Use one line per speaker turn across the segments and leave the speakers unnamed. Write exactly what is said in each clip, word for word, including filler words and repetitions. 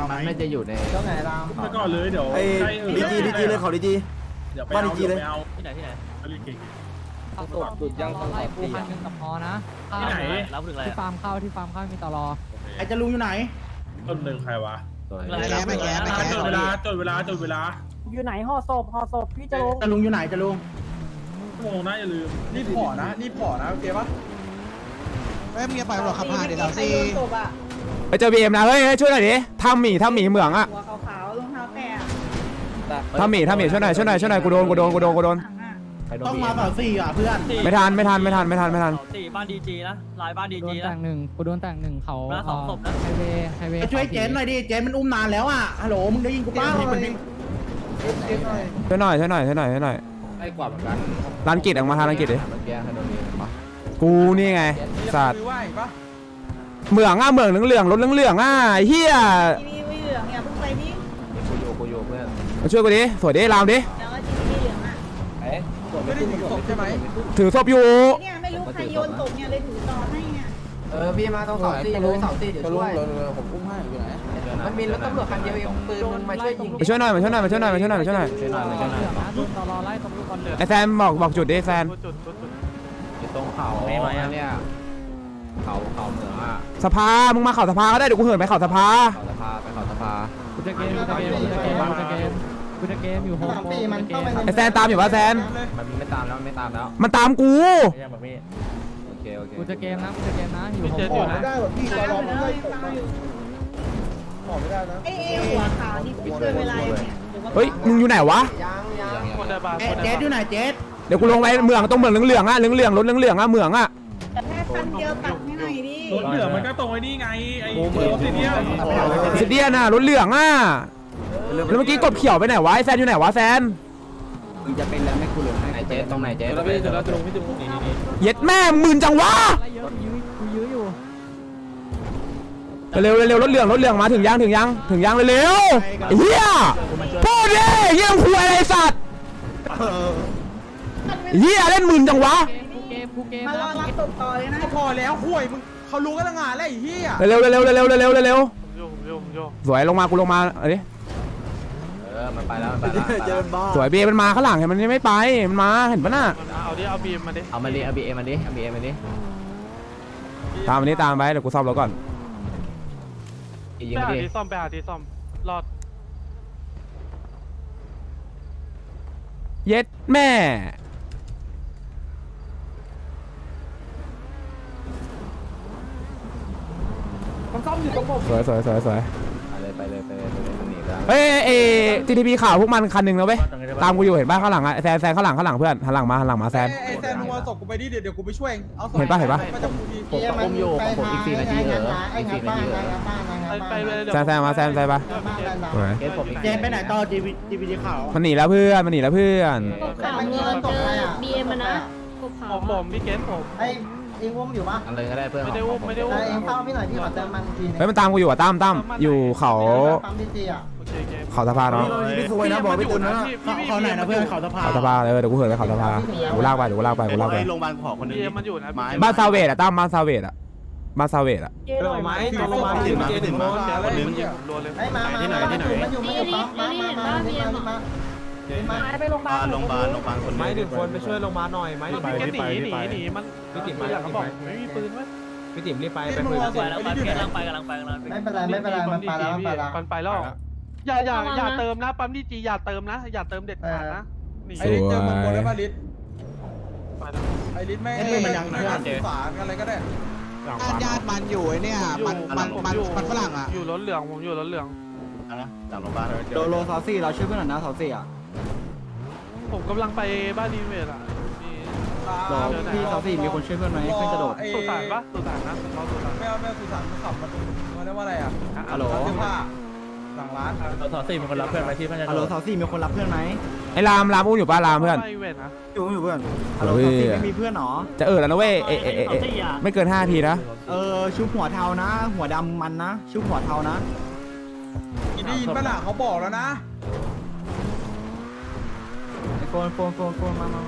มันน่าจะอยู่ใน
ตรงไหนราม
ไปก่อนเลยเดี๋ยว
ไอ้ดีจีดีจีเลยเขาดีจี
เดี๋ยวไป
บ้าน
เอา
ดีจีเลย
ไปเอา
ที่ไหนที่ไหน
ไปเก่ง
เอาตรวจจุดยังต้องไล่ปูพันหนึ่งกับพอนะ
ที่ไหน
รับถึงอะไร
ที่ฟาร์มเข้าที่ฟาร์มเข้ามีตลอ
ไอ้จะลุงอยู่ไหน
ต้นหนึ่งใครวะ
ไม่แก้ไม่แก้ไม่
จ
แก้
ดเวลาจดเวลาจดเวลา
อยู่ไหนห่อศพห่อศพพี่จะลง
จะลุงอยู่ไหนจะลุง
ชั่วโมงนะอย่าลืม
รีบห่อนะรีบห่อนะโอเคปะ
เฮ้ยมึงอย่าปล่อยหรอกขับผ่านเดี๋ยวเราซี
ไปเจอบีเอ็มนะเฮ้ยช่วยหน่อยดิทำหมี่ทำหมี่เหมืองอะ
หัวขาวๆรองเท้าแตะ
ทำหมี่ทำหมี่ช่วยหน่อยช่วยหน่อยช่วยหน่อยกูโดนกูโดนกูโดนกูโดน
ต้องมาต่อสี่อ่ะเพื่อน
ไม่ทันไม่ทันไม่ทันไม่ทันไม่ทัน
สี่บ้านดีจีนะลายบ้านดี
โด
จี
น
นะ
แต่งหนึ่งกูโดนแต่งหนึ่งเขา
แล้วสองศพนะ
ไฮเวย์ไฮเวย์
ไปช่วยเจนหน่อยดิเจนมันอุ้มนานแล้วอ่ะฮัลโหลมึงได้ยินกูป้า
ช่วยหน่อยช่วยหน่อยช่วยหน่อยช่วยหน่อย
ไอ้กว่าเหมือนกัน
ร้านกิจออกมาทางร้านกิจดิ
เมื่อกี้ฮันโดนีมา
กูนี่ไงสัตว์
คือว่าอีกปะ
เหมืองอ่ะเหมืองเหลืองๆรถเหลืองๆอ่ะเฮีย
ทีนี้ไม่เหลืองเนี่ยเพิ่งไปนี่
กูโยกูโยเพื่อน
มาช่วยกูดิสวยดิรามดิ
แล้วก็ทีนี้เหลืองอ่ะ
เอ๊ะ
ไม่ได้ถึงศพใช่ไหม
ถือศพอยู่
เนี่ยไม่รู้ใครโยนตกเนี่ยเลยถือต่อให้เนี่ย
เออพี่มาต้องสองตีเลยสองตีเดี๋ยวช่วย
ผมอุ้มให้อยู่ไหน
มันมีรถตำรวจคันเดียวเองปืนมันมาช่วยยิง
มาช่วยหน่อยมาช่วยหน่อยมาช่วยหน่อยมาช่วยหน่อยมาช่วยหน่อย
ช่วยหน่อยมาช่วยหน่อย
เหลืองนะดูตลอไล่ตรงลูกบอลเหลือง
ไอแซมบอกบอกจุดดิแซม
อยู่ตรงเขาเนี่ยเขาเขาเหมืองอ่ะ
สภามึงมาเข่าสภาก็ได้เดี๋ยวกูเหินไปเข่าสภา
เขาสภาไปเขาสภา
กูจะเกมกูจะเกมกูจะเกมกูจะเกมกูจะเกมอยู่โฮมโปรกูจะเกม
ไอแซนตามอยู่ปะแซน
มันไม่ตามแล้วไม่ตามแล้ว
มันตามกู
โอเคโอเค
กูจะเกมนะกูจะเกมนะอยู่โฮมโปร
ไม่ได้แบบพี่
ตา
เรา
ม
ลอง
เล
ไม่
ย
ตก
ตามอยู่
ห่อไม่ได้นะ
ไอ้เอหัวขาวนี่ไปช่วยเวลาเนี่ยหรือว่า
เฮ้ยมึงอยู่ไหนวะ
ยังยัง
เจสอยู่ไหนเจส
เดี๋ยวกูลงไปเหมืองตรงเหมืองเหลืองๆอ่ะเหลืองๆรถเหลืองๆอ่ะเหมืองอ่ะ
แต่แค่คันเดียวตัดให้หน่อยดิ
รถเหลืองมันก็ตรงไอ้นี่ไงไอ้รถที่เนี่ย
สิเดียน่ะรถเหลืองอ่ะแล้วเมื่อกี้กดเขียวไปไหนวะไอแซนอยู่ไหนวะแซน
มึงจะเป็นแล้วไม่กูเหลือให้
ไหนเจ๊ตรงไหนเจ๊
แล้วพี่จะแล้วจะลงพี่จะลงนี่นี่
เย็ดแม่หมื่นจังวะ
ไล่เยอะยื้อกูยื้ออยู่
เร็วเร็วรถเหลืองรถเหลืองมาถึงยังถึงยังถึงยังเร็วๆเฮียพูดดิเฮียคุยอะไรสัตว์เฮียเล่นหมื่นจังวะ
กูเกมกูเกม
มารอรับตกต่อเลยนะ
พอแล้วห่วยมึงเขารู้กันตั้งงานแล้วไอ้เหี้ย
เร็วเร็วเร็วเร็วเร็วเร็วเร็วสวยลงมากูลงมาเอ้ย
เออมันไปแล้วมันไปแล้วเจอบ้า
สวยเบมันมาข้างหลังเห็นมันยังไม่ไปมันมาเห็นปะน่ะ
เอาดิเอาบีมมาดิ
เอามาดิเอาบีเอ็มมาดิเอาบีเอ็มมาดิ
ตามมันนี้ตามไปเดี๋ยวกูซ่อมรถก่อน
ยิงมาดิ
ซ่อมไปหาที่ซ่อมรอด
เย็ดแม่สวยสวยสวยสวย
ไปเลยไปเลยไปเลยไปเลยหนีไป
เฮ้ยเอทีทีพีข่าวพวกมันคันหนึ่งแล้วเว้ยตามกูอยู่เห็นป่ะข้างหลังอะแซนแซนข้างหลังข้างหลังเพื่อนหันหลังมาหันหลังมาแซน
ไอ้แซมมึงเอาศพกูไปดิเดี๋ยวเดี๋ยวกูไปช่วยเอาศพ
เห็นปะเห็นปะ
มาจากกูที
ผมก็อุ้มอยู่ของผมอีกสี่นาทีเหรออีกสี่นาทีเหรอ
ไปเลย
แซนแซนมาแซนแซนปะสวย
เกสผมอีก
เจนไปไหนต่อจีวีจีวีขาว
มันหนีแล้วเพื่อนมันหนีแล้วเพื่อน
กบขาวเงินเจอบีเอ็มนะกบขาว
ผมผมพี่เกสผม
ไอเองอุ้มอยู่ปะ
อะไรก็ได้เพื่อน
ไม่ได้อุ้มไม่ได้อุ้ม
เองเฝ้าพี่หน่อยพี่ขอเติมมันทีนึง
เฮ้ยมันตามกูอยู่อะตั้มตั้มอยู่เขา
ปั๊มดีจีอ่ะ
โอเคโอเค
เขาสะพานเนาะ
ไม่สวยนะบอกไม่ตุนนะเขาไหนนะเพื่อนเขาสะพาน
เขาสะพานเออเดี๋ยวกูเหินไปเขาสะพานกูลากไปเดี๋ยวกูลากไปกูลากไป
โรงพยาบาลขอคนนึง
บีเอ็มมันอยู่นะ
บ้านซาเวดอะตั้มบ้านซาเวดอะบ้านซาเวดอะ
เจอไหม
ถึงโรงพยาบาลถึงเจถึงมาคนนึง
รัวเลย
ไอ้มาที่ไหนที่ไหนมันอยู่มันอยู่ปั๊มมามามามามา
หายไปโรงพยาบาล
โรงพยาบาลโรงพยาบาลคนนึง
ไม้หนึ่งคนไปช่วยลงมาหน่อยไม้พี่เกสหนีหนีหนีมันพี่ติ๋มมาเขาบอกไม่มีปืนวะ
พี่ติ๋มรีบไป
ไปไปแล้วไปกำลังไปกำลังไปกำลังไป
ไม่เป็นไรไม่เป็นไรมันไปแล้วมันไปแล้ว
มันไปแล้วอย่าอย่าอย่าเติมนะปั๊มดีจีอย่าเติมนะอย่าเติมเด็ดขาดนะนี่
ไอ้ลิศเจอมึงบนได้ป่ะลิศ
ไปแล้ว
ไอ้ลิศไม่ไอ้มันยังฝาอะไรก็ได้
ญาติมันอยู่ไอ้เนี่ยมันมันมันมันฝรั่งอ่ะ
อยู่รถเหลืองผมอยู่รถเหลือง
นะจากโรงพยาบาล
โดโลซาซี่เราช่วยเพื่อนหน่อยนะซาซี่อ่ะ
ผมกำลังไปบ้านรีเวทอ่ะมี
พี่ซาซี่มีคนช่วยเพื่อนไหมเพื่อนจะโดด
สุสานปะสุสานนะเขาสุสาน
ไม่เอาไม่เอาสุสานมันขับมาตรงมันเรียกว่าอะไรอ่ะฮัลโหลเสื้อผ้าหลังร้าน
สาวสี่มีคนรับเพื่อนไปที่พัทยา
ฮัลโหลซาซี่มีคนรับเพื่อนไหม
ไอ้รามรามอุ้มอยู่ป่ะรามเพื่อน
ไปเวทนะ
อยู่อยู่เพื่อนฮัลโหลซาซี่ไม่มีเพื่อนหรอ
จะเออแล้วนะเว้ยเอเอเอเอไม่เกินห้าทีนะ
เออชุบหัวเทานะ หัวดำมันนะชุบหัวเทานะได้ยินปะล่ะเขาบอกแล้วนะไอโฟนโฟนโฟนโฟนมามา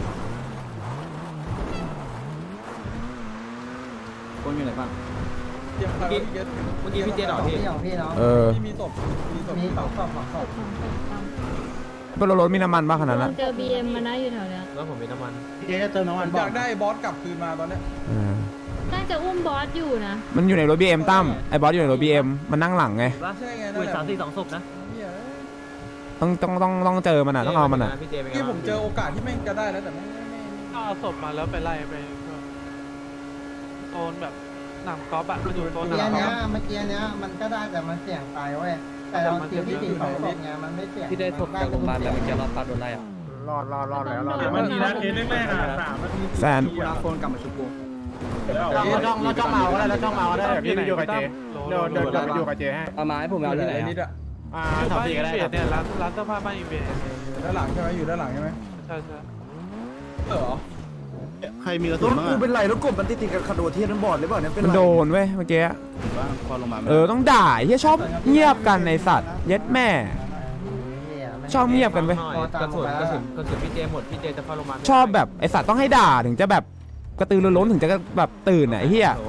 โฟนอยู่ไหนบ้างเมื่อกี้เมื่อกี้พี่เจดอกพี่
เออ
มีศพมีศพมีศพ
สองสองสอง
ก็รถมีน้ำมันบ้างขนาดนั้น
เจอบีเอ็มมานะอยู่แถวเนี้ย
แล้วผมมีน้ำมัน
เจ๊จะเติมน้ำมัน
อยากได้บอสกลับคืนมาตอนเนี้ย
เออ
น่าจะอุ้มบอสอยู่นะ
มันอยู่ในรถ บี เอ็ม ตั้มไอ้บอสอยู่ในรถ บี เอ็ม มันนั่งหลังไง
ใช่ไง
คุ
นั่
ย
นแหละ
สามสี่สองศพนะ
ต้องต้องต้องต้องเจอมันอ่ะต้องเอามันอ่ะ
เมื่อกี้ผมเจอโอกาสที่แม่งจะได้แล้วแต่ไม่ไม่ไม่
ก็เอาศพมาแล้วไปไล่ไปโซนแบบหนำกอล์ฟอะมันอยู่โซนห
เมื่อกี้
นำกอ
เนี้ย
ล์ฟ
เมื่อกี้เนี้ยมันก็ได้แต่มันเสี่ยงตายเว้ยแต่เราคิวที่สี่สองศพไงมันไม่เสี่ยง
ที่ได้ศพจากโรงพยาบาลแต่เมื่อกี้รอดปาโดนไล่อ่ะ
รอดรอดรอดแล้วรอด
สามนาทีนะเคสแรกๆอ่ะสามนาที
แซน
กูรักโฟนกลับมาชุบกู
เราจ้องเราจ้องเมาก็ได้เราจ้องเมาก็ได้เดี๋ยวพี่ไปอยู่กับเจเดี๋ยวเดินกลับไปอยู่กับเจให้
เอาไม้ผมเอาที่ไหน
นิด
อ่ะ
อะ
อ่า
อยู่
ทำ
บ้าน
ดี
อิ
ก็
น
ได้
เว
ครั
ด
บ
เนี่ยร้านร้านเสื้อผ้าบ้านอินเวด
ด้านหลังใช่ไหมอยู่ด้านหลังใช่ไหม
ใช่ใช่
เออ
ใครมีกระสุนบ้าง
กูเป็นไรแล้วกบมันติดติดกับขดเทียนมันบอดหรือเปล่าเนี่ยเป็น
มันโดนเว้ยเมื่อกี้
พอลงมา
เออต้องด่าเฮียชอบเงียบกันในสัตว์เย็ดแม่ ชอบเงียบกันเว้ย
กระสุนกระสุนกระสุนพี่เจหมดพี่เจจะเข้าโรงพยาบาล
ชอบแบบไอสัตว์ต้องให้ด่าถึงจะแบบกระตือรือร้นถึงจะแบบตื่นอ่ะไอ้เฮีย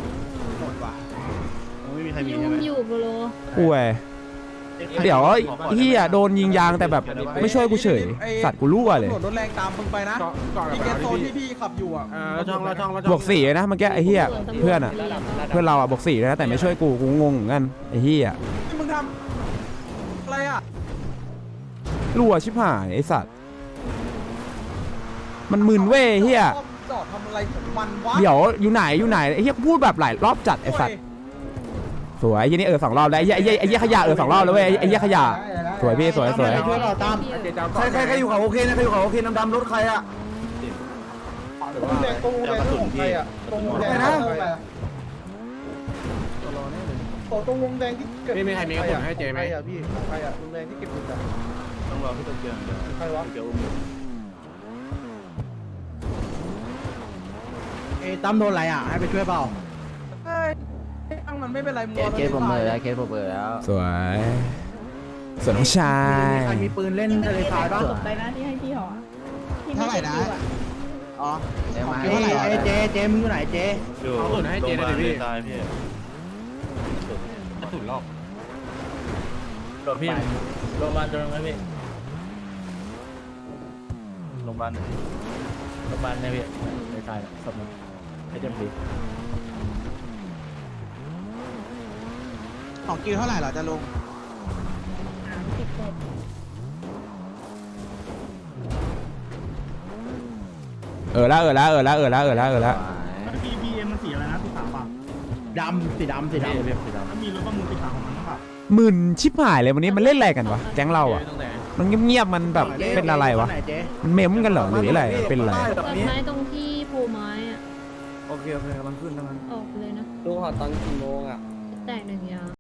ไม่มีใครมี
ยุ่
ใช่
ม
ไหม
อยู่โบโล
ป่วยเดี๋ยวเฮียโดนยิงยางแต่แบบไม่ช่วยกูเฉยสัตว์กูรั่วเลย
รถแรงตามมึงไปนะพี่เกสโซนที่พี่ขับอยู่อ่ะ
เราช่องเราช่องเราช่อง
บวกสี่นะเมื่อกี้ไอ้เฮียเพื่อนอ่ะเพื่อนเราอ่ะบวกสี่นะแต่ไม่ช่วยกูกูงงเหมือนกันไอ้เฮีย
ที่มึงทำอะไรอ่ะ
รั่วชิบหายไอ้สัตว์มันมึนเว้ยเฮีย
จอดทำอะไรของมันวะ
เดี๋ยวอยู่ไหนอยู่ไหนไอ้เฮียพูดแบบหลายรอบจัดไอ้สัตว์สวยไอ้เหี้ยนี่เออสองรอบแล้วไอ้เหี้ยไอ้เหี้ยไอ้เหี้ยขยะเออสองรอบแล้วเว้ยไอ้เหี้ยขยะสวยพี่สวยสวย
ช่วยเราตาม
ใครใครใครอยู่เขาโอเคนะใครอยู่เขาโอเคดำดำรถใครอ่ะ
ตู้แดงตู้แดงตู้ของใครอ่ะตู้วงแดงนะโอ้ตู้วงแดงที่เก็บ
ไม่มีใครมีกระสุนให้เจไหม
ใครอ่ะพี่ใครอ่ะวงแดงที่เก็บอยู่อ่ะ
ต้องรอพี่ตะเกียงเดี๋ยว
ใครวะ
เดี๋ยวอุ้ม
เอ้ตั้มโดนอะไรอ่ะให้ไปช่วยเปล่า
เฮ้ยตั้งมันไม่เป็นไรมึง
เคสผมเลยแล้วเคสผมเลยแล้ว
สวยสวยน้องชาย
ใครมีปืนเล่นทะเลทรายบ้าง
จบไปนะที่ให้พี่หอ
เท่าไหร่นะ อ๋อ
เดี๋ยวมา
เท่าไหร่ไอ้เจเจมึงอยู่ไหนเจ
เอาส่วนให้เจหน่อยดิพี่ตายพี่
กระสุนรอบ
โดนพี่โรงพยาบาลโดนไหมพี่โรงพยาบาลโรงพยาบาลเนี่ยพี่ในตายสมมติให้เต็มที่
ของกิวเท่าไหร่เหรอจะลง
สามสิบหก
เออละเออละเออละเออละเออละเออละ
บีบีเอ็มมันสีอะไรนะสีขาวป่ะ
ดำสีดำสีดำ
เรียบสีดำ
ถ้ามีรถประมูลสีขาวของมันนะครับ
มึนชิบหายเลยวันนี้มันเล่นอะไรกันวะแก๊งเราอ่ะมันเงียบๆมันแบบเป็นอะไรวะ
ไหนเจ
มันเมมกันเหรอหรืออะไรเป็นอะไร
ต้นไม้ตรงที่โพไม้อะ
โอเคโอเคกำลังขึ้นทั้งนั้น
ออกเลยนะ
ลูกหอตอนกี่โมงอ่ะ
แตกหนึ่งยาง